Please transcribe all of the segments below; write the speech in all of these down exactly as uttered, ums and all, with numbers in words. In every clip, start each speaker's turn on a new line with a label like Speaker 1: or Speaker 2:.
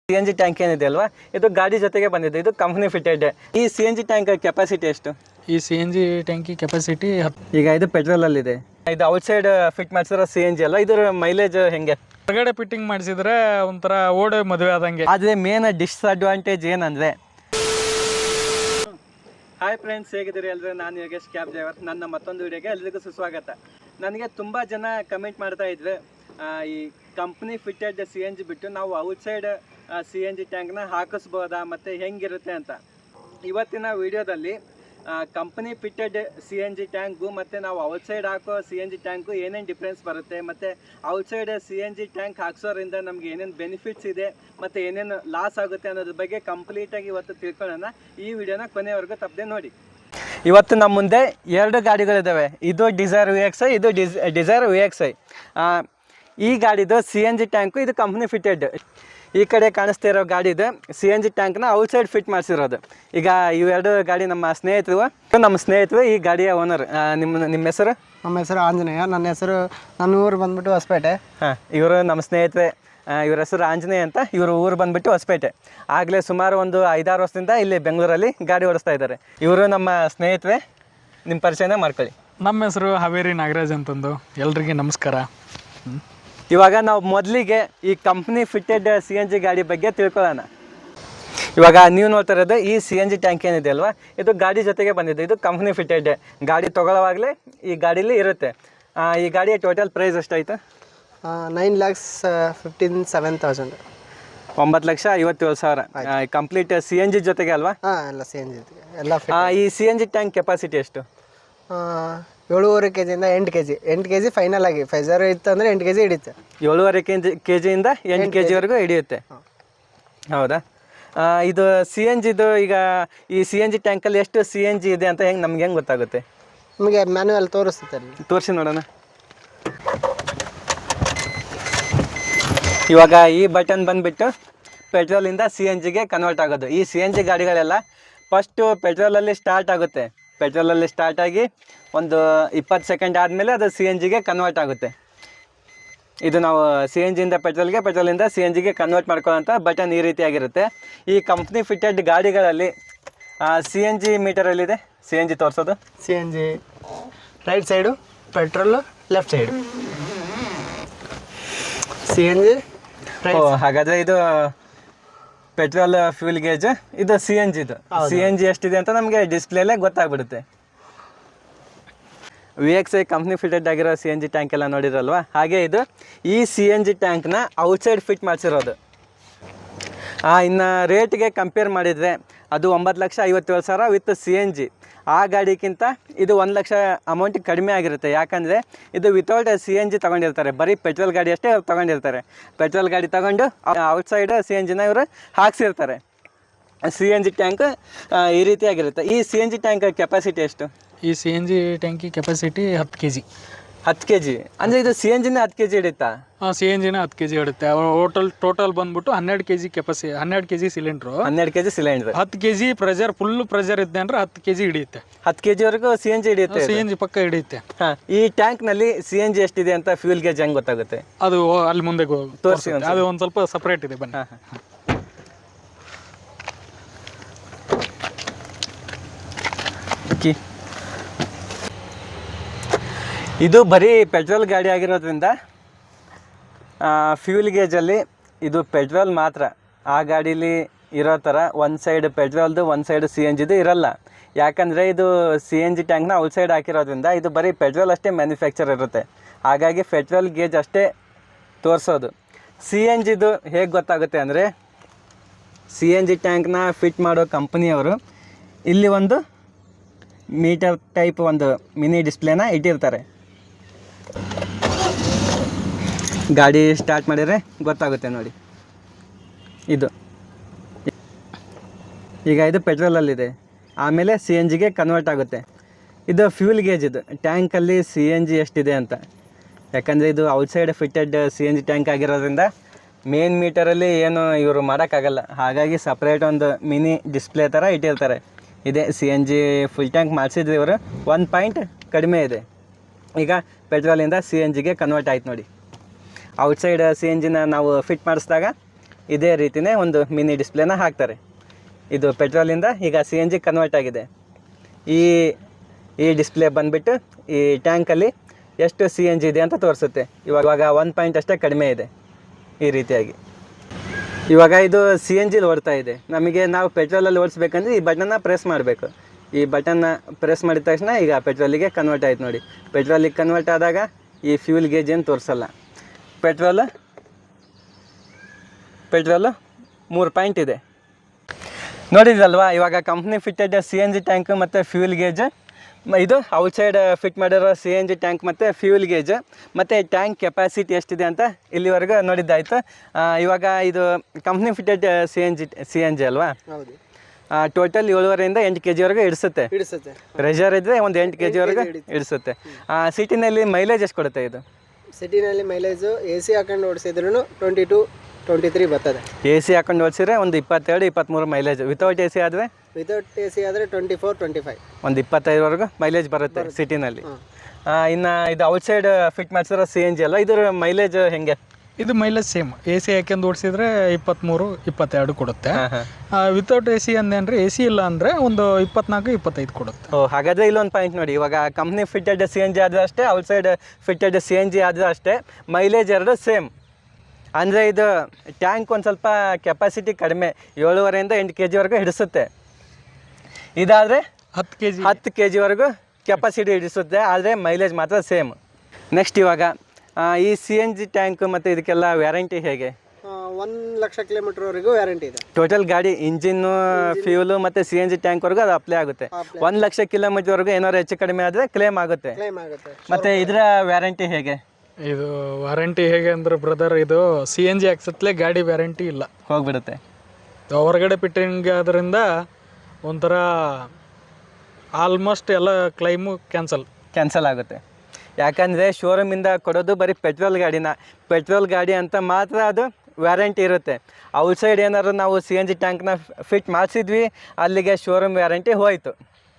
Speaker 1: C N G tank ಏನಿದೆ ಅಲ್ವಾ, ಇದು ಗಾಡಿ ಜೊತೆಗೆ ಬಂದಿದೆ. ಇದು ಕಂಪ್ನಿ ಫಿಟೆಡ್. ಈ C N G tank capacity ಎಷ್ಟು?
Speaker 2: ಈ ಸಿ ಎನ್ ಜಿ ಟ್ಯಾಂಕಿ ಕೆಪಾಸಿಟಿ
Speaker 1: ಈಗ ಇದು ಪೆಟ್ರೋಲ್ ಅಲ್ಲಿ ಇದೆ. ಇದು ಔಟ್ ಸೈಡ್ ಫಿಟ್ ಮಾಡಿಸಿರೋ ಸಿ ಎನ್ ಜಿ ಅಲ್ಲ, ಇದರ ಮೈಲೇಜ್ ಹೆಂಗೆ?
Speaker 2: ಹೊರಗಡೆ ಫಿಟ್ಟಿಂಗ್ ಮಾಡಿಸಿದ್ರೆ ಒಂಥರ ಓಡೆ ಮದುವೆ ಆದಂಗೆ.
Speaker 1: ಆದರೆ ಮೇನ್ ಡಿಸ್ಅಡ್ವಾಂಟೇಜ್ ಏನಂದರೆ, ಹಾಯ್ ಫ್ರೆಂಡ್ಸ್, ಹೇಗಿದ್ದೀರಿ ಎಲ್ಲರೂ? ನಾನು ಯೋಗೇಶ್ ಕ್ಯಾಬ್ ಡ್ರೈವರ್. ನನ್ನ ಮತ್ತೊಂದು ವಿಡಿಯೋಗೆ ಎಲ್ರಿಗೂ ಸುಸ್ವಾಗತ. ನನಗೆ ತುಂಬ ಜನ ಕಮೆಂಟ್ ಮಾಡ್ತಾ ಇದ್ರು, ಈ company fitted C N G ಬಿಟ್ಟು ನಾವು ಔಟ್ಸೈಡ್ ಸಿ ಎನ್ ಜಿ ಟ್ಯಾಂಕ್ನ ಹಾಕಿಸ್ಬೋದಾ ಮತ್ತು ಹೆಂಗಿರುತ್ತೆ ಅಂತ. ಇವತ್ತಿನ ವಿಡಿಯೋದಲ್ಲಿ company fitted C N G tank ಮತ್ತು ನಾವು ಔಟ್ಸೈಡ್ ಹಾಕೋ ಸಿ ಎನ್ ಜಿ ಟ್ಯಾಂಕು ಏನೇನು ಡಿಫ್ರೆನ್ಸ್ ಬರುತ್ತೆ, ಮತ್ತು outside C N G tank ಹಾಕ್ಸೋದ್ರಿಂದ ನಮ್ಗೆ ಏನೇನು ಬೆನಿಫಿಟ್ಸ್ ಇದೆ ಮತ್ತು ಏನೇನು ಲಾಸ್ ಆಗುತ್ತೆ ಅನ್ನೋದ್ರ ಬಗ್ಗೆ ಕಂಪ್ಲೀಟಾಗಿ ಇವತ್ತು ತಿಳ್ಕೊಳ್ಳೋಣ. ಈ ವಿಡಿಯೋನ ಕೊನೆವರೆಗೂ ತಪ್ಪದೆ ನೋಡಿ. ಇವತ್ತು ನಮ್ಮ ಮುಂದೆ ಎರಡು ಗಾಡಿಗಳಿದ್ದಾವೆ. ಇದು ಡಿಸೈರ್ ವಿ ಎಕ್ಸ್ ಐ, ಇದು ಡಿಸ್ ಡಿಸೈರ್ ವಿ ಎಕ್ಸ್ ಐ. ಈ ಗಾಡಿದು ಸಿ ಎನ್ ಜಿ ಟ್ಯಾಂಕು, ಇದು ಕಂಪ್ನಿ ಫಿಟ್ಟೆಡ್. ಈ ಕಡೆ ಕಾಣಿಸ್ತಾ ಇರೋ ಗಾಡಿದು ಸಿ ಎನ್ ಜಿ ಟ್ಯಾಂಕ್ನ ಔಟ್ಸೈಡ್ ಫಿಟ್ ಮಾಡಿಸಿರೋದು. ಈಗ ಇವೆರಡು ಗಾಡಿ ನಮ್ಮ ಸ್ನೇಹಿತರು ನಮ್ಮ ಸ್ನೇಹಿತರು ಈ ಗಾಡಿಯ ಓನರ್. ನಿಮ್ಮ ನಿಮ್ಮ ಹೆಸರು?
Speaker 3: ನಮ್ಮ ಹೆಸರು ಆಂಜನೇಯ. ನನ್ನ ಹೆಸರು ನನ್ನ ಊರು ಬಂದ್ಬಿಟ್ಟು ಹೊಸಪೇಟೆ.
Speaker 1: ಹಾಂ, ಇವರು ನಮ್ಮ ಸ್ನೇಹಿತರೆ. ಇವ್ರ ಹೆಸರು ಆಂಜನೇಯ ಅಂತ. ಇವರು ಊರು ಬಂದುಬಿಟ್ಟು ಹೊಸಪೇಟೆ. ಆಗಲೇ ಸುಮಾರು ಒಂದು ಐದಾರು ವರ್ಷದಿಂದ ಇಲ್ಲಿ ಬೆಂಗಳೂರಲ್ಲಿ ಗಾಡಿ ಓಡಿಸ್ತಾ ಇದ್ದಾರೆ. ಇವರು ನಮ್ಮ ಸ್ನೇಹಿತರೆ. ನಿಮ್ಮ ಪರಿಚಯನ ಮಾಡ್ಕೊಳ್ಳಿ.
Speaker 2: ನಮ್ಮ ಹೆಸರು ಹಾವೇರಿ ನಾಗರಾಜ್ ಅಂತಂದು. ಎಲ್ರಿಗೆ ನಮಸ್ಕಾರ.
Speaker 1: ಇವಾಗ ನಾವು ಮೊದಲಿಗೆ ಈ company fitted C N G ಗಾಡಿ ಬಗ್ಗೆ ತಿಳ್ಕೊಳ್ಳೋಣ. ಇವಾಗ ನೀವು ನೋಡ್ತಾ ಇರೋದು ಈ ಸಿ ಎನ್ ಜಿ ಟ್ಯಾಂಕ್ ಏನಿದೆ ಅಲ್ವಾ, ಇದು ಗಾಡಿ ಜೊತೆಗೆ ಬಂದಿದೆ. ಇದು ಕಂಪ್ನಿ ಫಿಟ್ಟೆಡ್. ಗಾಡಿ ತೊಗೊಳ್ಳೋವಾಗಲೇ ಈ ಗಾಡೀಲಿ ಇರುತ್ತೆ. ಈ ಗಾಡಿಯ ಟೋಟಲ್ ಪ್ರೈಸ್ ಎಷ್ಟಾಯಿತು?
Speaker 3: Nine lakhs fifteen seven thousand
Speaker 1: ಒಂಬತ್ತು ಲಕ್ಷ ಐವತ್ತೇಳು ಸಾವಿರ ಕಂಪ್ಲೀಟ್ ಸಿ ಎನ್ ಜಿ ಜೊತೆಗೆ ಅಲ್ವಾ?
Speaker 3: ಹಾಂ, ಎಲ್ಲ ಸಿ ಎನ್ ಜಿ ಎಲ್ಲ.
Speaker 1: ಈ C N G tank capacity ಎಷ್ಟು?
Speaker 3: ಏಳುವರೆ ಕೆ ಜಿಯಿಂದ ಎಂಟು ಕೆ ಜಿ ಎಂಟು ಕೆ ಜಿ ಫೈನಲ್ ಆಗಿ ಫೈಸರ್ ಇತ್ತು ಅಂದರೆ ಎಂಟು ಕೆ ಜಿ ಹಿಡಿಯುತ್ತೆ.
Speaker 1: ಏಳುವರೆ ಕೆ ಜಿ ಕೆ ಜಿಯಿಂದ ಎಂಟು ಕೆ ಜಿವರೆಗೂ ಹಿಡಿಯುತ್ತೆ. ಹೌದಾ? ಇದು ಸಿ ಎನ್ ಜಿದು, ಈಗ ಈ ಸಿ ಎನ್ ಜಿ ಟ್ಯಾಂಕಲ್ಲಿ ಎಷ್ಟು ಸಿ ಎನ್ ಜಿ ಇದೆ ಅಂತ ಹೆಂಗೆ ನಮ್ಗೆ ಹೆಂಗೆ ಗೊತ್ತಾಗುತ್ತೆ?
Speaker 3: ನಿಮಗೆ ಮ್ಯಾನ್ಯುವಲ್ ತೋರಿಸುತ್ತೆ ಅಲ್ಲಿ.
Speaker 1: ತೋರಿಸಿ ನೋಡೋಣ. ಇವಾಗ ಈ ಬಟನ್ ಬಂದುಬಿಟ್ಟು ಪೆಟ್ರೋಲಿಂದ ಸಿ ಎನ್ ಜಿಗೆ ಕನ್ವರ್ಟ್ ಆಗೋದು. ಈ ಸಿ ಎನ್ ಜಿ ಗಾಡಿಗಳೆಲ್ಲ ಫಸ್ಟು ಪೆಟ್ರೋಲಲ್ಲಿ ಸ್ಟಾರ್ಟ್ ಆಗುತ್ತೆ. ಪೆಟ್ರೋಲಲ್ಲಿ ಸ್ಟಾರ್ಟ್ ಆಗಿ ಒಂದು ಇಪ್ಪತ್ತು ಸೆಕೆಂಡ್ ಆದಮೇಲೆ ಅದು ಸಿ ಎನ್ ಜಿಗೆ ಕನ್ವರ್ಟ್ ಆಗುತ್ತೆ. ಇದು ನಾವು ಸಿ ಎನ್ ಜಿಯಿಂದ ಪೆಟ್ರೋಲ್ಗೆ, ಪೆಟ್ರೋಲಿಂದ ಸಿ ಎನ್ ಜಿಗೆ ಕನ್ವರ್ಟ್ ಮಾಡ್ಕೊಳ್ಳೋಂಥ ಬಟನ್ ಈ ರೀತಿಯಾಗಿರುತ್ತೆ. ಈ ಕಂಪ್ನಿ ಫಿಟ್ಟೆಡ್ ಗಾಡಿಗಳಲ್ಲಿ ಸಿ ಎನ್ ಜಿ ಮೀಟರಲ್ಲಿದೆ. ಸಿ ಎನ್ ಜಿ ತೋರಿಸೋದು.
Speaker 3: C N G right side, petrol left side. C N G
Speaker 1: ಓ, ಹಾಗಾದರೆ ಇದು ಪೆಟ್ರೋಲ್ ಫ್ಯೂಲ್ ಗೇಜ್, ಇದು ಸಿ ಎನ್ ಜಿದು. ಸಿ ಎನ್ ಜಿ ಎಷ್ಟಿದೆ ಅಂತ ನಮಗೆ ಡಿಸ್ಪ್ಲೇಲೇ ಗೊತ್ತಾಗ್ಬಿಡುತ್ತೆ. V X I company fitted ಆಗಿರೋ ಸಿ ಎನ್ ಜಿ ಟ್ಯಾಂಕ್ ಎಲ್ಲ ನೋಡಿರಲ್ವಾ, ಹಾಗೆ ಇದು ಈ ಸಿ ಎನ್ ಜಿ ಟ್ಯಾಂಕ್ನ ಔಟ್ಸೈಡ್ ಫಿಟ್ ಮಾಡಿಸಿರೋದು. ಇನ್ನು ರೇಟ್ಗೆ ಕಂಪೇರ್ ಮಾಡಿದರೆ ಅದು ಒಂಬತ್ತು ಲಕ್ಷ ಐವತ್ತೇಳು ಸಾವಿರ ವಿತ್ ಸಿ ಎನ್ ಜಿ. ಆ ಗಾಡಿಗಿಂತ ಇದು ಒಂದು ಲಕ್ಷ ಅಮೌಂಟ್ ಕಡಿಮೆ ಆಗಿರುತ್ತೆ. ಯಾಕಂದರೆ ಇದು ವಿತೌಟ್ ಸಿ ಎನ್ ಜಿ ತೊಗೊಂಡಿರ್ತಾರೆ. ಬರೀ ಪೆಟ್ರೋಲ್ ಗಾಡಿ ಅಷ್ಟೇ ಅವ್ರು ತೊಗೊಂಡಿರ್ತಾರೆ. ಪೆಟ್ರೋಲ್ ಗಾಡಿ ತೊಗೊಂಡು ಔಟ್ಸೈಡ್ ಸಿ ಎನ್ ಜಿನ ಇವರು ಹಾಕ್ಸಿರ್ತಾರೆ. ಸಿ ಎನ್ ಜಿ ಟ್ಯಾಂಕ್ ಈ ರೀತಿಯಾಗಿರುತ್ತೆ. ಈ C N G tank capacity ಎಷ್ಟು?
Speaker 2: ಈ ಸಿ ಎನ್ ಜಿ ಟ್ಯಾಂಕಿ ಕೆಪಾಸಿಟಿ ಹತ್ತು ಕೆ ಜಿ.
Speaker 1: ಹತ್ತು ಕೆ ಜಿ ಅಂದರೆ ಇದು ಸಿ ಎನ್ ಜಿನ ಹತ್ತು ಕೆ ಜಿ ಹಿಡಿಯುತ್ತಾ?
Speaker 2: ಹಾಂ, ಸಿ ಎನ್ ಜಿನ ಹತ್ತು ಕೆ ಜಿ ಹಿಡುತ್ತೆ. ಟೋಟಲ್ ಟೋಟಲ್ ಬಂದ್ಬಿಟ್ಟು ಹನ್ನೆರಡು ಕೆ ಜಿ ಕೆಪಾಸಿಟಿ, ಹನ್ನೆರಡು ಕೆ ಜಿ ಸಿಲಿಂಡ್ರು.
Speaker 1: ಹನ್ನೆರಡು ಕೆ ಜಿ ಸಿಲಿಂಡ್ರ್.
Speaker 2: ಹತ್ತು K G pressure, full pressure ಇದ್ದೆ ಅಂದರೆ ಹತ್ತು ಕೆ ಜಿ ಹಿಡಿಯುತ್ತೆ.
Speaker 1: ಹತ್ತು ಕೆ ಜಿವರೆಗೂ ಸಿ ಎನ್ ಜಿ ಹಿಡಿಯುತ್ತೆ.
Speaker 2: ಸಿ ಎನ್ ಜಿ ಪಕ್ಕ ಹಿಡಿಯುತ್ತೆ.
Speaker 1: ಹಾಂ, ಈ ಟ್ಯಾಂಕ್ನಲ್ಲಿ ಸಿ ಎನ್ ಜಿ ಎಷ್ಟಿದೆ ಅಂತ ಫ್ಯೂಲ್ ಗೇಜ್ ಹೆಂಗೆ ಗೊತ್ತಾಗುತ್ತೆ?
Speaker 2: ಅದು ಅಲ್ಲಿ ಮುಂದೆ
Speaker 1: ತೋರಿಸಿ.
Speaker 2: ಅದು ಒಂದು ಸ್ವಲ್ಪ ಸಪ್ರೇಟ್ ಇದೆ, ಬನ್ನಿ.
Speaker 1: ಹಾಂ ಹಾಂ ಓಕೆ. ಇದು ಬರೀ ಪೆಟ್ರೋಲ್ ಗಾಡಿ ಆಗಿರೋದ್ರಿಂದ ಫ್ಯೂಲ್ ಗೇಜಲ್ಲಿ ಇದು ಪೆಟ್ರೋಲ್ ಮಾತ್ರ. ಆ ಗಾಡೀಲಿ ಇರೋ ಥರ ಒಂದು ಸೈಡ್ ಪೆಟ್ರೋಲ್ದು, ಒಂದು ಸೈಡ್ ಸಿ ಎನ್ ಜಿದು ಇರೋಲ್ಲ. ಯಾಕಂದರೆ ಇದು ಸಿ ಎನ್ ಜಿ ಟ್ಯಾಂಕ್ನ ಔಟ್ಸೈಡ್ ಹಾಕಿರೋದ್ರಿಂದ ಇದು ಬರೀ ಪೆಟ್ರೋಲ್ ಅಷ್ಟೇ ಮ್ಯಾನುಫ್ಯಾಕ್ಚರ್ ಇರುತ್ತೆ. ಹಾಗಾಗಿ ಪೆಟ್ರೋಲ್ ಗೇಜ್ ಅಷ್ಟೇ ತೋರಿಸೋದು. ಸಿ ಎನ್ ಜಿದು ಹೇಗೆ ಗೊತ್ತಾಗುತ್ತೆ ಅಂದರೆ, ಸಿ ಎನ್ ಜಿ ಟ್ಯಾಂಕ್ನ ಫಿಟ್ ಮಾಡೋ ಕಂಪ್ನಿಯವರು ಇಲ್ಲಿ ಒಂದು ಮೀಟರ್ ಟೈಪ್ ಒಂದು ಮಿನಿ ಡಿಸ್ಪ್ಲೇನ ಇಟ್ಟಿರ್ತಾರೆ. ಗಾಡಿ ಸ್ಟಾರ್ಟ್ ಮಾಡಿದರೆ ಗೊತ್ತಾಗುತ್ತೆ ನೋಡಿ. ಇದು ಈಗ ಇದು ಪೆಟ್ರೋಲಲ್ಲಿದೆ, ಆಮೇಲೆ ಸಿ ಎನ್ ಜಿಗೆ ಕನ್ವರ್ಟ್ ಆಗುತ್ತೆ. ಇದು ಫ್ಯೂಲ್ ಗೇಜ್. ಇದು ಟ್ಯಾಂಕಲ್ಲಿ ಸಿ ಎನ್ ಜಿ ಎಷ್ಟಿದೆ ಅಂತ. ಯಾಕಂದರೆ ಇದು outside fitted C N G tank ಆಗಿರೋದ್ರಿಂದ ಮೇನ್ ಮೀಟರಲ್ಲಿ ಏನು ಇವರು ಮಾಡೋಕ್ಕಾಗಲ್ಲ. ಹಾಗಾಗಿ ಸಪ್ರೇಟ್ ಒಂದು ಮಿನಿ ಡಿಸ್ಪ್ಲೇ ಥರ ಇಟ್ಟಿರ್ತಾರೆ. ಇದೆ C N G full tank ಮಾಡಿಸಿದ್ರೆ ಇವರು ಒಂದು ಪಾಯಿಂಟ್ ಕಡಿಮೆ ಇದೆ. ಈಗ ಪೆಟ್ರೋಲಿಂದ ಸಿ ಎನ್ ಜಿಗೆ ಕನ್ವರ್ಟ್ ಆಯ್ತು ನೋಡಿ. ಔಟ್ಸೈಡ್ ಸಿ ಎನ್ ಜಿನ ನಾವು ಫಿಟ್ ಮಾಡಿಸಿದಾಗ ಇದೇ ರೀತಿನೇ ಒಂದು ಮಿನಿ ಡಿಸ್ಪ್ಲೇನ ಹಾಕ್ತಾರೆ. ಇದು ಪೆಟ್ರೋಲಿಂದ ಈಗ ಸಿ ಎನ್ ಜಿ ಕನ್ವರ್ಟ್ ಆಗಿದೆ. ಈ ಈ ಡಿಸ್ಪ್ಲೇ ಬಂದುಬಿಟ್ಟು ಈ ಟ್ಯಾಂಕಲ್ಲಿ ಎಷ್ಟು ಸಿ ಎನ್ ಜಿ ಇದೆ ಅಂತ ತೋರಿಸುತ್ತೆ. ಇವಾಗ ಇವಾಗ ಒನ್ ಪಾಯಿಂಟ್ ಅಷ್ಟೇ ಕಡಿಮೆ ಇದೆ ಈ ರೀತಿಯಾಗಿ. ಇವಾಗ ಇದು ಸಿ ಎನ್ ಜಿಲಿ ಓಡ್ತಾ ಇದೆ. ನಮಗೆ ನಾವು ಪೆಟ್ರೋಲಲ್ಲಿ ಓಡಿಸ್ಬೇಕಂದ್ರೆ ಈ ಬಟನ್ನ ಪ್ರೆಸ್ ಮಾಡಬೇಕು. ಈ ಬಟನ್ನ ಪ್ರೆಸ್ ಮಾಡಿದ ತಕ್ಷಣ ಈಗ ಪೆಟ್ರೋಲಿಗೆ ಕನ್ವರ್ಟ್ ಆಯ್ತು ನೋಡಿ. ಪೆಟ್ರೋಲಿಗೆ ಕನ್ವರ್ಟ್ ಆದಾಗ ಈ ಫ್ಯೂಲ್ ಗೇಜ್ ಏನು ತೋರಿಸಲ್ಲ. ಪೆಟ್ರೋಲ್ ಪೆಟ್ರೋಲು ಮೂರು ಪಾಯಿಂಟ್ ಇದೆ ನೋಡಿದ್ರಲ್ವಾ. ಇವಾಗ company fitted C N G tank ಮತ್ತು ಫ್ಯೂಲ್ ಗೇಜ್, ಇದು ಔಟ್ಸೈಡ್ ಫಿಟ್ ಮಾಡಿರೋ ಸಿ ಎನ್ ಜಿ ಟ್ಯಾಂಕ್ ಮತ್ತು ಫ್ಯೂಲ್ ಗೇಜ್ ಮತ್ತು ಟ್ಯಾಂಕ್ ಕೆಪಾಸಿಟಿ ಎಷ್ಟಿದೆ ಅಂತ ಇಲ್ಲಿವರೆಗೂ ನೋಡಿದ್ದಾಯಿತು. ಇವಾಗ ಇದು company fitted C N G C N G ಅಲ್ವಾ.
Speaker 3: ಹೌದು.
Speaker 1: ಟೋಟಲ್ ಏಳುವರೆಯಿಂದ ಎಂಟು ಕೆ ಜಿವರೆಗೂ ಇಡಿಸುತ್ತೆ.
Speaker 3: ಹಿಡಿಸುತ್ತೆ.
Speaker 1: ಪ್ರೆಷರ್ ಇದ್ದರೆ ಒಂದು ಎಂಟು ಕೆ ಜಿವರೆಗೂ ಇಡಿಸುತ್ತೆ. ಸಿಟಿನಲ್ಲಿ ಮೈಲೇಜ್ ಎಷ್ಟು ಕೊಡುತ್ತೆ ಇದು?
Speaker 3: ಸಿಟಿನಲ್ಲಿ ಮೈಲೇಜು ಎ ಸಿ ಹಾಕೊಂಡು ಓಡಿಸಿದ್ರು ಟ್ವೆಂಟಿ ಟು ಟ್ವೆಂಟಿ ತ್ರೀ ಬರ್ತದೆ.
Speaker 1: ಎ ಸಿ ಹಾಕೊಂಡು ಓಡಿಸಿದ್ರೆ ಒಂದು ಇಪ್ಪತ್ತೆರಡು ಇಪ್ಪತ್ತ್ಮೂರು ಮೈಲೇಜ್. ವಿತೌಟ್ ಎ ಸಿ ಆದರೆ
Speaker 3: ವಿತೌಟ್ ಎ ಸಿ ಆದರೆ ಟ್ವೆಂಟಿ ಫೋರ್ ಟ್ವೆಂಟಿ ಫೈವ್
Speaker 1: ಒಂದು ಇಪ್ಪತ್ತೈದರವರೆಗೂ ಮೈಲೇಜ್ ಬರುತ್ತೆ ಸಿಟಿನಲ್ಲಿ. ಇನ್ನು ಇದು ಔಟ್ಸೈಡ್ ಫಿಟ್ ಮಾಡಿಸಿರೋ ಸಿ ಎನ್ ಜಿ ಅಲ್ಲ, ಇದರ ಮೈಲೇಜ್ ಹೆಂಗೆ?
Speaker 2: ಇದು ಮೈಲೇಜ್ ಸೇಮ್. ಎ ಸಿ ಹಾಕ್ಯಂದು ಓಡಿಸಿದ್ರೆ ಇಪ್ಪತ್ತ್ಮೂರು ಇಪ್ಪತ್ತೆರಡು ಕೊಡುತ್ತೆ. ವಿತೌಟ್ ಎ ಸಿ ಅಂದೇನ್ರಿ, ಎ ಸಿ ಇಲ್ಲ ಅಂದರೆ ಒಂದು ಇಪ್ಪತ್ನಾಲ್ಕು ಇಪ್ಪತ್ತೈದು ಕೊಡುತ್ತೆ.
Speaker 1: ಓ, ಹಾಗಾದರೆ ಇಲ್ಲೊಂದು ಪಾಯಿಂಟ್ ನೋಡಿ. ಇವಾಗ company fitted C N G ಆದರೂ ಅಷ್ಟೇ, outside fitted C N G ಆದರೂ ಅಷ್ಟೇ, ಮೈಲೇಜ್ ಎರಡು ಸೇಮ್. ಅಂದರೆ ಇದು ಟ್ಯಾಂಕ್ ಒಂದು ಸ್ವಲ್ಪ ಕೆಪಾಸಿಟಿ ಕಡಿಮೆ, ಏಳುವರೆಯಿಂದ ಎಂಟು ಕೆ ಜಿವರೆಗೂ ಹಿಡಿಸುತ್ತೆ. ಇದಾದರೆ
Speaker 2: ಹತ್ತು ಕೆ ಜಿ
Speaker 1: ಹತ್ತು ಕೆ ಜಿವರೆಗೂ ಕೆಪಾಸಿಟಿ ಹಿಡಿಸುತ್ತೆ, ಆದರೆ ಮೈಲೇಜ್ ಮಾತ್ರ ಸೇಮ್. ನೆಕ್ಸ್ಟ್ ಇವಾಗ ಈ ಸಿ ಎನ್ ಜಿ ಟ್ಯಾಂಕ್ ಮತ್ತು ಇದಕ್ಕೆಲ್ಲ ವ್ಯಾರಂಟಿ ಹೇಗೆ?
Speaker 3: ಒಂದು ಲಕ್ಷ ಕಿಲೋಮೀಟರ್ವರೆಗೂ ವ್ಯಾರಂಟಿ ಇದೆ.
Speaker 1: ಟೋಟಲ್ ಗಾಡಿ ಇಂಜಿನ್ನು, ಫ್ಯೂಲು ಮತ್ತು ಸಿ ಎನ್ ಜಿ ಟ್ಯಾಂಕ್ವರೆಗೂ ಅದು ಅಪ್ಲೈ ಆಗುತ್ತೆ. ಒಂದು ಲಕ್ಷ ಕಿಲೋಮೀಟರ್ವರೆಗೂ ಏನಾದ್ರು ಹೆಚ್ಚು ಕಡಿಮೆ ಆದರೆ ಕ್ಲೇಮ್ ಆಗುತ್ತೆ.
Speaker 3: ಕ್ಲೈಮ್ ಆಗುತ್ತೆ.
Speaker 1: ಮತ್ತು ಇದರ ವ್ಯಾರಂಟಿ ಹೇಗೆ?
Speaker 2: ಇದು ವಾರಂಟಿ ಹೇಗೆ ಅಂದ್ರೆ ಬ್ರದರ್, ಇದು ಸಿ ಎನ್ ಜಿ ಹಾಕ್ಸತ್ಲೆ ಗಾಡಿ ವ್ಯಾರಂಟಿ ಇಲ್ಲ,
Speaker 1: ಹೋಗ್ಬಿಡುತ್ತೆ.
Speaker 2: ಹೊರಗಡೆ ಫಿಟ್ಟಿಂಗ್ ಆದ್ರಿಂದ ಒಂಥರ ಆಲ್ಮೋಸ್ಟ್ ಎಲ್ಲ ಕ್ಲೈಮು ಕ್ಯಾನ್ಸಲ್
Speaker 1: ಕ್ಯಾನ್ಸಲ್ ಆಗುತ್ತೆ. ಯಾಕಂದರೆ ಶೋರೂಮಿಂದ ಕೊಡೋದು ಬರೀ ಪೆಟ್ರೋಲ್ ಗಾಡಿನ, ಪೆಟ್ರೋಲ್ ಗಾಡಿ ಅಂತ ಮಾತ್ರ ಅದು ವ್ಯಾರಂಟಿ ಇರುತ್ತೆ. ಔಟ್ಸೈಡ್ ಏನಾದ್ರು ನಾವು ಸಿ ಎನ್ ಜಿ ಟ್ಯಾಂಕ್ನ ಫಿಟ್ ಮಾಡಿಸಿದ್ವಿ, ಅಲ್ಲಿಗೆ ಶೋರೂಮ್ ವ್ಯಾರಂಟಿ ಹೋಯಿತು.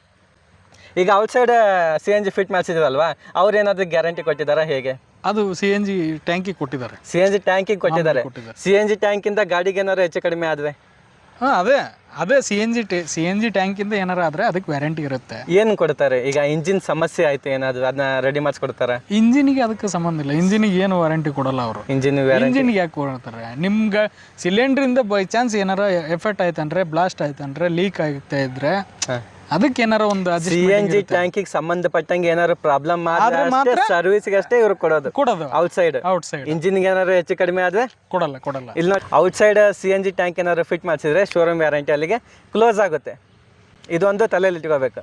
Speaker 1: ಈಗ outside C N G fit ಮಾಡಿಸಿದ್ವಲ್ವಾ, ಅವ್ರು ಏನಾದರೂ ಗ್ಯಾರಂಟಿ ಕೊಟ್ಟಿದ್ದಾರಾ ಹೇಗೆ?
Speaker 2: ಅದು ಸಿ ಎನ್ ಜಿ ಟ್ಯಾಂಕಿಗೆ ಕೊಟ್ಟಿದ್ದಾರೆ.
Speaker 1: ಸಿ ಎನ್ ಜಿ ಟ್ಯಾಂಕಿಗೆ ಕೊಟ್ಟಿದ್ದಾರೆ. ಸಿ ಎನ್ ಜಿ ಟ್ಯಾಂಕಿಂದ ಗಾಡಿಗೆ ಏನಾದ್ರು ಹೆಚ್ಚು ಕಡಿಮೆ ಆದರೆ
Speaker 2: ಹಾಂ ಅದೇ ಅದೇ C N G C N G ಟ್ಯಾಂಕಿಂದ ಏನಾರು ಆದರೆ ಅದಕ್ಕೆ ವ್ಯಾರಂಟಿ ಇರುತ್ತೆ.
Speaker 1: ಏನು ಕೊಡ್ತಾರೆ? ಈಗ ಇಂಜಿನ್ ಸಮಸ್ಯೆ ಆಯಿತು ಏನಾದರೂ, ಅದನ್ನ ರೆಡಿ ಮಾಡಿಸ್ಕೊಡ್ತಾರೆ?
Speaker 2: ಇಂಜಿನಿಗೆ ಅದಕ್ಕೆ ಸಂಬಂಧ ಇಲ್ಲ. ಇಂಜಿನಿಗೆ ಏನು ವಾರಂಟಿ ಕೊಡಲ್ಲ ಅವರು.
Speaker 1: ಇಂಜಿನ್
Speaker 2: ಇಂಜಿನಿಗೆ ಯಾಕೆ ಕೊಡ್ತಾರೆ? ನಿಮ್ಗೆ ಸಿಲಿಂಡ್ರಿಂದ ಬೈ ಚಾನ್ಸ್ ಏನಾರ ಎಫೆಕ್ಟ್ ಆಯ್ತಂದ್ರೆ, ಬ್ಲಾಸ್ಟ್ ಆಯ್ತಂದ್ರೆ, ಲೀಕ್ ಆಗ್ತಾ ಇದ್ರೆ ಅದಕ್ಕೆ ಏನಾರ ಒಂದು
Speaker 1: ಸಿ ಎನ್ ಜಿ ಟ್ಯಾಂಕಿಗೆ ಸಂಬಂಧಪಟ್ಟಂಗೆ ಏನಾದ್ರು ಪ್ರಾಬ್ಲಮ್ ಆದ್ರೆ ಸರ್ವಿಸ್ಗೆ ಅಷ್ಟೇ ಇವ್ರು ಕೊಡೋದು
Speaker 2: ಕೊಡೋದು
Speaker 1: ಔಟ್ಸೈಡ್.
Speaker 2: ಔಟ್ಸೈಡ್
Speaker 1: ಇಂಜಿನ್ಗೆ ಏನಾದ್ರು ಹೆಚ್ಚು ಕಡಿಮೆ ಆದ್ರೆ
Speaker 2: ಕೊಡಲ್ಲ ಕೊಡಲ್ಲ
Speaker 1: ಇಲ್ಲ. Outside C N G tank ಏನಾದ್ರು ಫಿಟ್ ಮಾಡಿಸಿದ್ರೆ ಶೋರೂಮ್ ವ್ಯಾರಂಟಿ ಅಲ್ಲಿಗೆ ಕ್ಲೋಸ್ ಆಗುತ್ತೆ. ಇದೊಂದು ತಲೆಯಲ್ಲಿ ಇಟ್ಕೋಬೇಕು.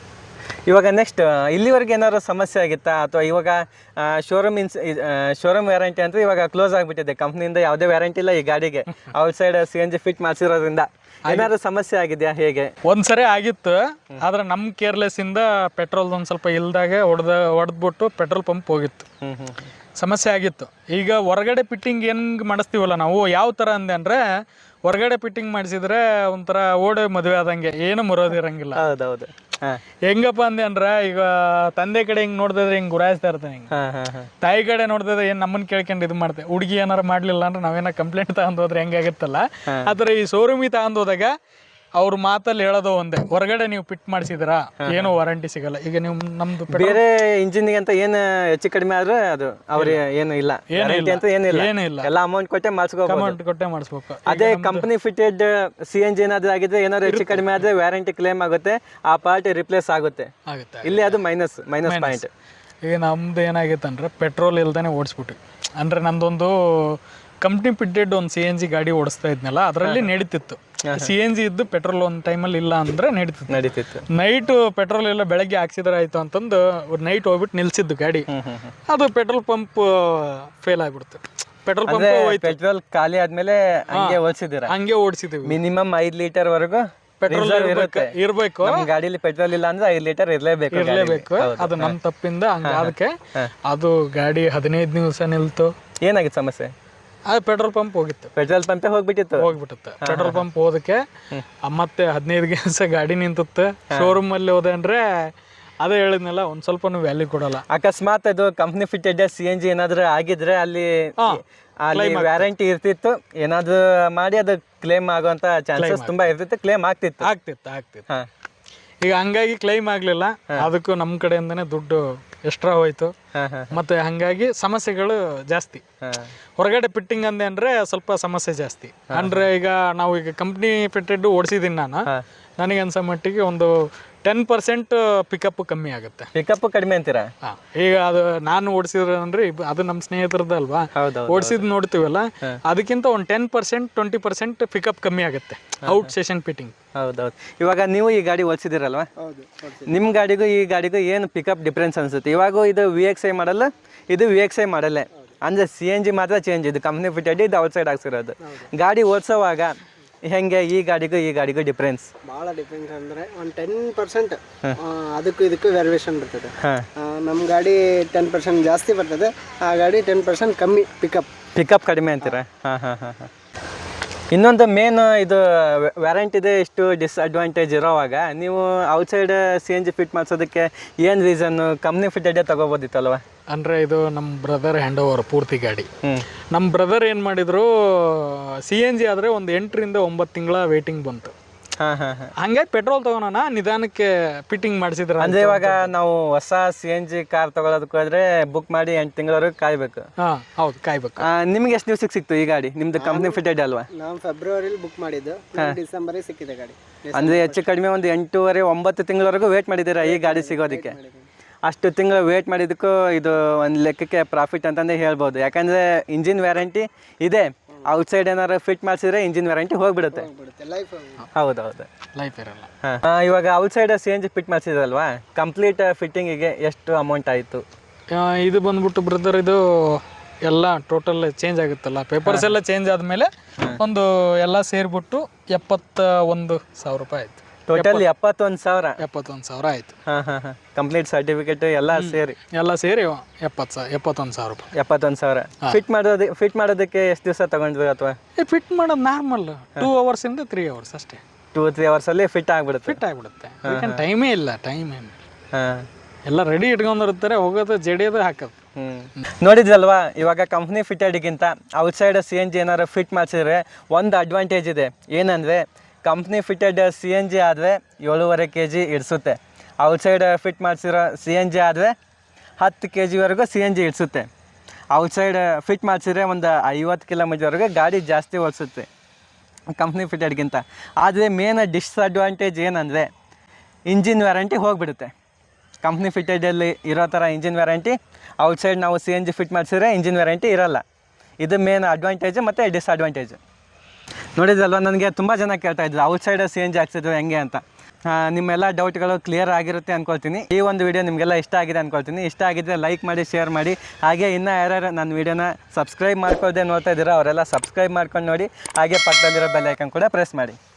Speaker 1: ಇವಾಗ ನೆಕ್ಸ್ಟ್, ಇಲ್ಲಿವರೆಗೆ ಏನಾದ್ರು ಸಮಸ್ಯೆ ಆಗಿತ್ತಾ, ಅಥವಾ ಇವಾಗ ಶೋರೂಮ್ ಇನ್ಸ್ ಶೋರೂಮ್ ವ್ಯಾರಂಟಿ ಅಂತ ಇವಾಗ ಕ್ಲೋಸ್ ಆಗಿಬಿಟ್ಟಿದೆ, ಕಂಪ್ನಿಯಿಂದ ಯಾವುದೇ ವ್ಯಾರಂಟಿ ಇಲ್ಲ ಈ ಗಾಡಿಗೆ, outside C N G fit ಮಾಡಿಸಿರೋದ್ರಿಂದ ಏನಾದ್ರು ಸಮಸ್ಯೆ ಆಗಿದೆಯಾ ಹೇಗೆ?
Speaker 2: ಒಂದ್ಸರಿ ಆಗಿತ್ತು, ಆದ್ರೆ ನಮ್ಮ ಕೇರ್ಲೆಸ್ ಇಂದ ಪೆಟ್ರೋಲ್ ಒಂದು ಸ್ವಲ್ಪ ಇಲ್ದಾಗೆ ಹೊಡೆದ ಹೊಡೆದ್ಬಿಟ್ಟು ಪೆಟ್ರೋಲ್ ಪಂಪ್ ಹೋಗಿತ್ತು, ಸಮಸ್ಯೆ ಆಗಿತ್ತು. ಈಗ ಹೊರಗಡೆ ಫಿಟ್ಟಿಂಗ್ ಹೆಂಗೆ ಮಾಡಿಸ್ತೀವಲ್ಲ ನಾವು, ಯಾವ ಥರ ಅಂದೆ ಅಂದರೆ ಹೊರಗಡೆ ಫಿಟ್ಟಿಂಗ್ ಮಾಡಿಸಿದ್ರೆ ಒಂಥರ ಓಡೆ ಮದುವೆ ಆದಂಗೆ, ಏನು ಮರೋದಿರಂಗಿಲ್ಲ.
Speaker 1: ಹೌದೌದು.
Speaker 2: ಹೆಂಗಪ್ಪ ಅಂದೆ ಅಂದ್ರೆ, ಈಗ ತಂದೆ ಕಡೆ ಹಿಂಗೆ ನೋಡಿದ್ರೆ ಹಿಂಗೆ ಗುರಾಯಿಸ್ತಾ ಇರ್ತಾನೆ, ಹಿಂಗೆ ತಾಯಿ ಕಡೆ ನೋಡಿದ್ರೆ ಏನು ನಮ್ಮನ್ನು ಕೇಳ್ಕೊಂಡು ಇದು ಮಾಡ್ತೇವೆ. ಹುಡುಗಿ ಏನಾರು ಮಾಡಲಿಲ್ಲ ಅಂದ್ರೆ ನಾವೇನೋ ಕಂಪ್ಲೇಂಟ್ ತಗೊಂಡು ಹೋದ್ರೆ ಹೆಂಗಾಗುತ್ತಲ್ಲ, ಆ ಥರ ಈ ಶೋರೂಮಿಗೆ ತಗೊಂಡು ಹೋದಾಗ ಅವ್ರ ಮಾತಲ್ಲಿ ಹೇಳೋದು ಒಂದೇ, ಹೊರಗಡೆ ನೀವು ಫಿಟ್ ಮಾಡಿಸಿದ್ರಾ ಏನು ವಾರಂಟಿ ಸಿಗಲ್ಲ. ಈಗ ನೀವು ನಮ್ದು
Speaker 1: ಬೇರೆ ಇಂಜಿನ್ಗೆ ಅಂತ ಏನು ಹೆಚ್ಚು ಕಡಿಮೆ ಆದ್ರೆ ಅದು ಅವ್ರಿಗೆ ಏನು ಇಲ್ಲ, ಅಂತ ಏನಿಲ್ಲ,
Speaker 2: ಏನಿಲ್ಲ,
Speaker 1: ಎಲ್ಲ ಅಮೌಂಟ್ ಕೊಟ್ಟೆ ಮಾಡಿಸ್ಕೋಬೇಕು.
Speaker 2: ಅಮೌಂಟ್ ಕೊಟ್ಟೆ ಮಾಡಿಸ್ಬೇಕು.
Speaker 1: ಅದೇ company fitted C N G ಏನಾದ್ರು ಆಗಿದ್ರೆ, ಏನಾದ್ರು ಹೆಚ್ಚು ಕಡಿಮೆ ಆದ್ರೆ ವ್ಯಾರಂಟಿ ಕ್ಲೇಮ್ ಆಗುತ್ತೆ, ಆ ಪಾರ್ಟ್ ರಿಪ್ಲೇಸ್ ಆಗುತ್ತೆ.
Speaker 2: ಆಗುತ್ತೆ.
Speaker 1: ಇಲ್ಲಿ ಅದು ಮೈನಸ್ ಮೈನಸ್ ಪಾಯಿಂಟ್.
Speaker 2: ಈಗ ನಮ್ದು ಏನಾಗಿತ್ತು ಅಂದ್ರೆ, ಪೆಟ್ರೋಲ್ ಇಲ್ದೇ ಓಡಿಸ್ಬಿಟ್ಟು, ಅಂದ್ರೆ ನಂದೊಂದು ಕಂಪ್ನಿ ಫಿಟ್ಟೆಡ್ ಒಂದು ಸಿ ಎನ್ ಜಿ ಗಾಡಿ ಓಡಿಸ್ತಾ ಇದ್ನಲ್ಲ, ಅದರಲ್ಲಿ ನಡೀತಿತ್ತು. ಸಿ ಎನ್ ಜಿ ಇದ್ದು ಪೆಟ್ರೋಲ್ ಒಂದು ಟೈಮಲ್ಲಿ ಇಲ್ಲ ಅಂದ್ರೆ ನಡೀತಿತ್ತು
Speaker 1: ನಡೀತಿತ್ತು
Speaker 2: ನೈಟು ಪೆಟ್ರೋಲ್ ಎಲ್ಲ ಬೆಳಗ್ಗೆ ಹಾಕ್ಸಿದ್ರೆ ಆಯ್ತು ಅಂತಂದು ನೈಟ್ ಹೋಗ್ಬಿಟ್ಟು ನಿಲ್ಸಿದ್ದು ಗಾಡಿ. ಅದು ಪೆಟ್ರೋಲ್ ಪಂಪ್ ಫೇಲ್ ಆಗ್ಬಿಡ್ತು. ಪೆಟ್ರೋಲ್ ಪಂಪ್
Speaker 1: ಪೆಟ್ರೋಲ್ ಖಾಲಿ ಆದ್ಮೇಲೆ ಹಂಗೆ ಓಡಿಸಿದಿರ?
Speaker 2: ಹಂಗೆ ಓಡಿಸಿದ್ವಿ.
Speaker 1: ಮಿನಿಮಮ್ ಐದು ಲೀಟರ್ ವರೆಗೂ
Speaker 2: ಪೆಟ್ರೋಲ್ ಇರ್ಬೇಕು.
Speaker 1: ಗಾಡಿಲಿ ಪೆಟ್ರೋಲ್ ಇಲ್ಲ ಅಂದ್ರೆ ಐದು ಲೀಟರ್ ಇರ್ಲೇಬೇಕು
Speaker 2: ಇರ್ಲೇಬೇಕು ಅದು ನಮ್ಮ ತಪ್ಪಿಂದ. ಹಂಗ ಅದಕ್ಕೆ ಅದು ಗಾಡಿ ಹದಿನೈದು ದಿವಸ ನಿಲ್ತು.
Speaker 1: ಏನಾಗಿತ್ತು ಸಮಸ್ಯೆ?
Speaker 2: ಅದು ಪೆಟ್ರೋಲ್ ಪಂಪ್ ಹೋಗಿತ್ತು.
Speaker 1: ಪೆಟ್ರೋಲ್ ಪಂಪೇ ಹೋಗ್ಬಿಟ್ಟಿತ್ತು
Speaker 2: ಹೋಗ್ಬಿಟ್ಟುತ್ತೆ ಪೆಟ್ರೋಲ್ ಪಂಪ್ ಹೋದಕ್ಕೆ ಮತ್ತೆ ಹದಿನೈದು ದಿವಸ ಗಾಡಿ ನಿಂತುತ್ತೆ. ಶೋರೂಮ್ ಅಲ್ಲಿ ಹೋದೆ ಅಂದ್ರೆ ಅದೇ ಹೇಳಿದ್ನಲ್ಲ ಒಂದು ಸ್ವಲ್ಪನೂ ವ್ಯಾಲ್ಯೂ ಕೊಡಲ್ಲ.
Speaker 1: ಅಕಸ್ಮಾತ್ ಅದು company fitted C N G ಏನಾದರೂ ಆಗಿದ್ರೆ ಅಲ್ಲಿ ಅಲ್ಲಿ ವ್ಯಾರಂಟಿ ಇರ್ತಿತ್ತು, ಏನಾದರೂ ಮಾಡಿ ಅದು ಕ್ಲೇಮ್ ಆಗುವಂಥ ಚಾನ್ಸಸ್ ತುಂಬ ಇರ್ತಿತ್ತು, ಕ್ಲೇಮ್ ಆಗ್ತಿತ್ತು
Speaker 2: ಆಗ್ತಿತ್ತು ಆಗ್ತಿತ್ತು ಈಗ ಹಂಗಾಗಿ ಕ್ಲೈಮ್ ಆಗಲಿಲ್ಲ, ಅದಕ್ಕೂ ನಮ್ಮ ಕಡೆಯಿಂದನೇ ದುಡ್ಡು ಎಕ್ಸ್ಟ್ರಾ ಹೋಯ್ತು. ಮತ್ತೆ ಹಂಗಾಗಿ ಸಮಸ್ಯೆಗಳು ಜಾಸ್ತಿ. ಹೊರಗಡೆ ಫಿಟ್ಟಿಂಗ್ ಅಂದೆ ಅಂದ್ರೆ ಸ್ವಲ್ಪ ಸಮಸ್ಯೆ ಜಾಸ್ತಿ. ಅಂದ್ರೆ ಈಗ ನಾವು ಈಗ ಕಂಪ್ನಿ ಫಿಟ್ಟೆಡ್ ಓಡಿಸಿದ್ದೀನಿ ನಾನು, ನನಗೆ ಅನ್ಸೋ ಮಟ್ಟಿಗೆ ಒಂದು ಟೆನ್ ಪರ್ಸೆಂಟ್ ಪಿಕಪ್ ಕಮ್ಮಿ ಆಗುತ್ತೆ.
Speaker 1: ಪಿಕಪ್ ಕಡಿಮೆ ಅಂತೀರಾ?
Speaker 2: ಹಾಂ, ಈಗ ಅದು ನಾನು ಓಡಿಸಿದ್ರೆ ಅಂದ್ರೆ ಅದು ನಮ್ಮ ಸ್ನೇಹಿತರದ್ದು ಅಲ್ವಾ, ಓಡಿಸಿದ್ ನೋಡ್ತೀವಲ್ಲ, ಅದಕ್ಕಿಂತ ಒಂದು ten percent twenty percent pickup ಕಮ್ಮಿ ಆಗುತ್ತೆ ಔಟ್ ಸೆಷನ್ ಫಿಟ್ಟಿಂಗ್.
Speaker 1: ಹೌದೌದು. ಇವಾಗ ನೀವು ಈ ಗಾಡಿ ಓಡಿಸಿದಿರಲ್ವಾ, ನಿಮ್ಮ ಗಾಡಿಗೂ ಈ ಗಾಡಿಗೂ ಏನು ಪಿಕಪ್ ಡಿಫ್ರೆನ್ಸ್ ಅನ್ಸುತ್ತೆ? ಇವಾಗ ಇದು ವಿ ಎಕ್ಸ್ ಐ ಮಾಡಲ್ಲ, ಇದು ವಿ ಎಕ್ಸ್ ಐ ಮಾಡಲ್ಲೇ, ಅಂದರೆ ಸಿ ಎನ್ ಜಿ ಮಾತ್ರ ಚೇಂಜ್, ಇದು ಕಂಪ್ನಿ ಫಿಟೆಡ್, ಇದು ಔಟ್ ಸೈಡ್ ಹಾಕ್ಸಿರೋದು. ಗಾಡಿ ಓಡಿಸೋವಾಗ ಹೆಂಗೆ ಈ ಗಾಡಿಗೂ ಈ ಗಾಡಿಗೂ ಡಿಫ್ರೆನ್ಸ್?
Speaker 3: ಭಾಳ ಡಿಫ್ರೆನ್ಸ್ ಅಂದರೆ ಒಂದು ಟೆನ್ ಪರ್ಸೆಂಟ್ ಅದಕ್ಕೂ ಇದಕ್ಕೂ ವೇರಿಯೇಷನ್ ಬರ್ತದೆ. ನಮ್ಮ ಗಾಡಿ ಟೆನ್ ಪರ್ಸೆಂಟ್ ಜಾಸ್ತಿ ಬರ್ತದೆ, ಆ ಗಾಡಿ ಟೆನ್ ಪರ್ಸೆಂಟ್ ಕಮ್ಮಿ ಪಿಕಪ್
Speaker 1: ಪಿಕಪ್ ಕಡಿಮೆ ಅಂತೀರಾ? ಹಾಂ ಹಾಂ ಹಾಂ ಹಾಂ ಇನ್ನೊಂದು ಮೇನ್ ಇದು ವ್ಯಾರಂಟಿದೆ ಇಷ್ಟು ಡಿಸ್ಅಡ್ವಾಂಟೇಜ್ ಇರೋವಾಗ ನೀವು outside C N G fit ಮಾಡಿಸೋದಕ್ಕೆ ಏನು ರೀಸನ್ನು? ಕಂಪ್ನಿ ಫಿಟೆಡೇ ತೊಗೋಬೋದಿತ್ತಲ್ವ?
Speaker 2: ಅಂದರೆ ಇದು ನಮ್ಮ ಬ್ರದರ್ ಹ್ಯಾಂಡ್ ಓವರ್ ಪೂರ್ತಿ ಗಾಡಿ. ನಮ್ಮ ಬ್ರದರ್ ಏನು ಮಾಡಿದ್ರು, ಸಿ ಎನ್ ಜಿ ಆದರೆ ಒಂದು ಎಂಟರಿಂದ ಒಂಬತ್ತು ತಿಂಗಳ ವೇಟಿಂಗ್ ಬಂತು.
Speaker 1: ಹಾಂ ಹಾಂ ಹಾಂ
Speaker 2: ಹಂಗಾಗಿ ಪೆಟ್ರೋಲ್ ತಗೋಣ ನಿಧಾನಕ್ಕೆ ಫಿಟ್ಟಿಂಗ್ ಮಾಡಿಸಿದ್ರೆ.
Speaker 1: ಅಂದರೆ ಇವಾಗ ನಾವು ಹೊಸ ಸಿ ಎನ್ ಜಿ ಕಾರ್ ತಗೊಳ್ಳೋದಕ್ಕೆ ಹೋದ್ರೆ ಬುಕ್ ಮಾಡಿ ಎಂಟು ತಿಂಗಳವರೆಗೆ ಕಾಯ್ಬೇಕು.
Speaker 2: ಹಾಂ ಹೌದು, ಕಾಯ್ಬೇಕು.
Speaker 1: ನಿಮ್ಗೆ ಎಷ್ಟು ದಿವಸಕ್ಕೆ ಸಿಕ್ತು ಈ ಗಾಡಿ? ನಿಮ್ದು ಕಂಪ್ನಿ ಫಿಟೆಡ್ ಅಲ್ವಾ?
Speaker 3: ನಾವು ಫೆಬ್ರವರಿಲಿ ಬುಕ್ ಮಾಡಿದ್ದು, ಡಿಸೆಂಬರಿಗೆ ಸಿಕ್ಕಿದೆ ಗಾಡಿ.
Speaker 1: ಅಂದರೆ ಹೆಚ್ಚು ಕಡಿಮೆ ಒಂದು ಎಂಟೂವರೆ ಒಂಬತ್ತು ತಿಂಗಳವರೆಗೂ ವೇಟ್ ಮಾಡಿದ್ದೀರಾ ಈ ಗಾಡಿ ಸಿಗೋದಕ್ಕೆ. ಅಷ್ಟು ತಿಂಗಳು ವೇಟ್ ಮಾಡಿದ್ದಕ್ಕೂ ಇದು ಒಂದು ಲೆಕ್ಕಕ್ಕೆ ಪ್ರಾಫಿಟ್ ಅಂತಂದೇ ಹೇಳ್ಬೋದು. ಯಾಕಂದರೆ ಇಂಜಿನ್ ವ್ಯಾರಂಟಿ ಇದೆ, ಔಟ್ಸೈಡ್ ಏನಾರು ಫಿಟ್ ಮಾಡಿಸಿದ್ರೆ ಇಂಜಿನ್ ವ್ಯಾರಂಟಿ ಹೋಗ್ಬಿಡುತ್ತೆ. ಹೌದೌದು,
Speaker 2: ಲೈಫ್ ಇರಲ್ಲ.
Speaker 1: ಹಾಂ, ಇವಾಗ outside C N G fit ಮಾಡಿಸಿದ್ರಲ್ವಾ, ಕಂಪ್ಲೀಟ್ ಫಿಟ್ಟಿಂಗಿಗೆ ಎಷ್ಟು ಅಮೌಂಟ್ ಆಯಿತು?
Speaker 2: ಇದು ಬಂದ್ಬಿಟ್ಟು ಬ್ರದರ್, ಇದು ಎಲ್ಲ ಟೋಟಲ್ ಚೇಂಜ್ ಆಗುತ್ತಲ್ಲ, ಪೇಪರ್ಸ್ ಎಲ್ಲ ಚೇಂಜ್ ಆದಮೇಲೆ ಒಂದು ಎಲ್ಲ ಸೇರಿಬಿಟ್ಟು ಎಪ್ಪತ್ತ ಒಂದು ಸಾವಿರ ರೂಪಾಯಿ ಆಯಿತು.
Speaker 1: ಟೋಟಲ್ ಎಪ್ಪತ್ತೊಂದು ಸಾವಿರ
Speaker 2: ಎಪ್ಪತ್ತೊಂದು ಸಾವಿರ ಆಯಿತು.
Speaker 1: ಹಾಂ ಹಾಂ ಹಾಂ ಕಂಪ್ಲೀಟ್ ಸರ್ಟಿಫಿಕೇಟ್ ಎಲ್ಲ ಸೇರಿ
Speaker 2: ಎಲ್ಲ ಸೇರಿ ಎಪ್ಪತ್ತು ಸಾವಿರ ಎಪ್ಪತ್ತೊಂದು ಸಾವಿರ ರೂಪಾಯಿ.
Speaker 1: ಎಪ್ಪತ್ತೊಂದು ಸಾವಿರ ಫಿಟ್ ಮಾಡೋದು ಫಿಟ್ ಮಾಡೋದಕ್ಕೆ ಎಷ್ಟು ದಿವಸ ತಗೊಂಡ್ವಿ? ಅಥವಾ
Speaker 2: ಫಿಟ್ ಮಾಡೋದು ನಾರ್ಮಲ್ ಟೂ ಅವರ್ಸಿಂದ ತ್ರೀ ಅವರ್ಸ್ ಅಷ್ಟೇ.
Speaker 1: ಟೂ ತ್ರೀ ಅವರ್ಸಲ್ಲಿ ಫಿಟ್ ಆಗಿಬಿಡುತ್ತೆ.
Speaker 2: ಫಿಟ್ ಆಗಿಬಿಡುತ್ತೆ, ಟೈಮೇ ಇಲ್ಲ, ಟೈಮ್ ಏನು.
Speaker 1: ಹಾಂ,
Speaker 2: ಎಲ್ಲ ರೆಡಿ ಇಟ್ಕೊಂಡಿರ್ತಾರೆ, ಹೋಗೋದು ಜಡಿಯೋದು ಹಾಕೋದು.
Speaker 1: ಹ್ಞೂ ನೋಡಿದ್ರಲ್ವಾ, ಇವಾಗ ಕಂಪ್ನಿ ಫಿಟೆಡ್ಗಿಂತ ಔಟ್ಸೈಡ್ ಸಿ ಎನ್ ಜಿ ಏನಾರು ಫಿಟ್ ಮಾಡಿಸಿದ್ರೆ ಒಂದು ಅಡ್ವಾಂಟೇಜ್ ಇದೆ. ಏನಂದರೆ company fitted C N G ಆದರೆ ಏಳೂವರೆ ಕೆ ಜಿ ಇಡಿಸುತ್ತೆ, ಔಟ್ಸೈಡ್ ಫಿಟ್ ಮಾಡಿಸಿರೋ ಸಿ ಎನ್ ಜಿ ಆದರೆ ಹತ್ತು ಕೆ ಜಿವರೆಗೂ ಸಿ ಎನ್ ಜಿ ಇಡಿಸುತ್ತೆ. ಔಟ್ಸೈಡ್ ಫಿಟ್ ಮಾಡಿಸಿದ್ರೆ ಒಂದು ಐವತ್ತು ಕಿಲೋಮೀಟರ್ವರೆಗೂ ಗಾಡಿ ಜಾಸ್ತಿ ಓಡಿಸುತ್ತೆ ಕಂಪ್ನಿ ಫಿಟೆಡ್ಗಿಂತ. ಆದರೆ ಮೇನ್ ಡಿಸ್ಅಡ್ವಾಂಟೇಜ್ ಏನಂದರೆ ಇಂಜಿನ್ ವ್ಯಾರಂಟಿ ಹೋಗಿಬಿಡುತ್ತೆ. ಕಂಪ್ನಿ ಫಿಟೆಡಲ್ಲಿ ಇರೋ ಥರ ಇಂಜಿನ್ ವ್ಯಾರಂಟಿ ಔಟ್ಸೈಡ್ ನಾವು ಸಿ ಎನ್ ಜಿ ಫಿಟ್ ಮಾಡಿಸಿದ್ರೆ ಇಂಜಿನ್ ವ್ಯಾರಂಟಿ ಇರೋಲ್ಲ. ಇದು ಮೇನ್ ಅಡ್ವಾಂಟೇಜು ಮತ್ತು ಡಿಸ್ಅಡ್ವಾಂಟೇಜು. ನೋಡಿದ್ರಲ್ವ, ನನಗೆ ತುಂಬ ಜನ ಕೇಳ್ತಾ ಇದ್ರು ಔಟ್ಸೈಡ್ ಸಿ ಎನ್ ಜಿ ಹಾಕ್ಸಿದ್ರು ಹೆಂಗೆ ಅಂತ. ನಿಮ್ಮೆಲ್ಲ ಡೌಟ್ಗಳು ಕ್ಲಿಯರ್ ಆಗಿರುತ್ತೆ ಅಂದ್ಕೊಳ್ತೀನಿ. ಈ ಒಂದು ವಿಡಿಯೋ ನಿಮಗೆಲ್ಲ ಇಷ್ಟ ಆಗಿದೆ ಅಂದ್ಕೊಳ್ತೀನಿ. ಇಷ್ಟ ಆಗಿದ್ದರೆ ಲೈಕ್ ಮಾಡಿ, ಶೇರ್ ಮಾಡಿ. ಹಾಗೆ ಇನ್ನೂ ಯಾರ್ಯಾರು ನನ್ನ ವೀಡಿಯೋನ ಸಬ್ಸ್ಕ್ರೈಬ್ ಮಾಡ್ಕೊಳ್ದೆ ನೋಡ್ತಾ ಇದ್ದೀರಾ ಅವರೆಲ್ಲ ಸಬ್ಸ್ಕ್ರೈಬ್ ಮಾಡ್ಕೊಂಡು ನೋಡಿ. ಹಾಗೆ ಪಕ್ಕದಲ್ಲಿರೋ ಬೆಲ್ ಐಕನ್ ಕೂಡ ಪ್ರೆಸ್ ಮಾಡಿ.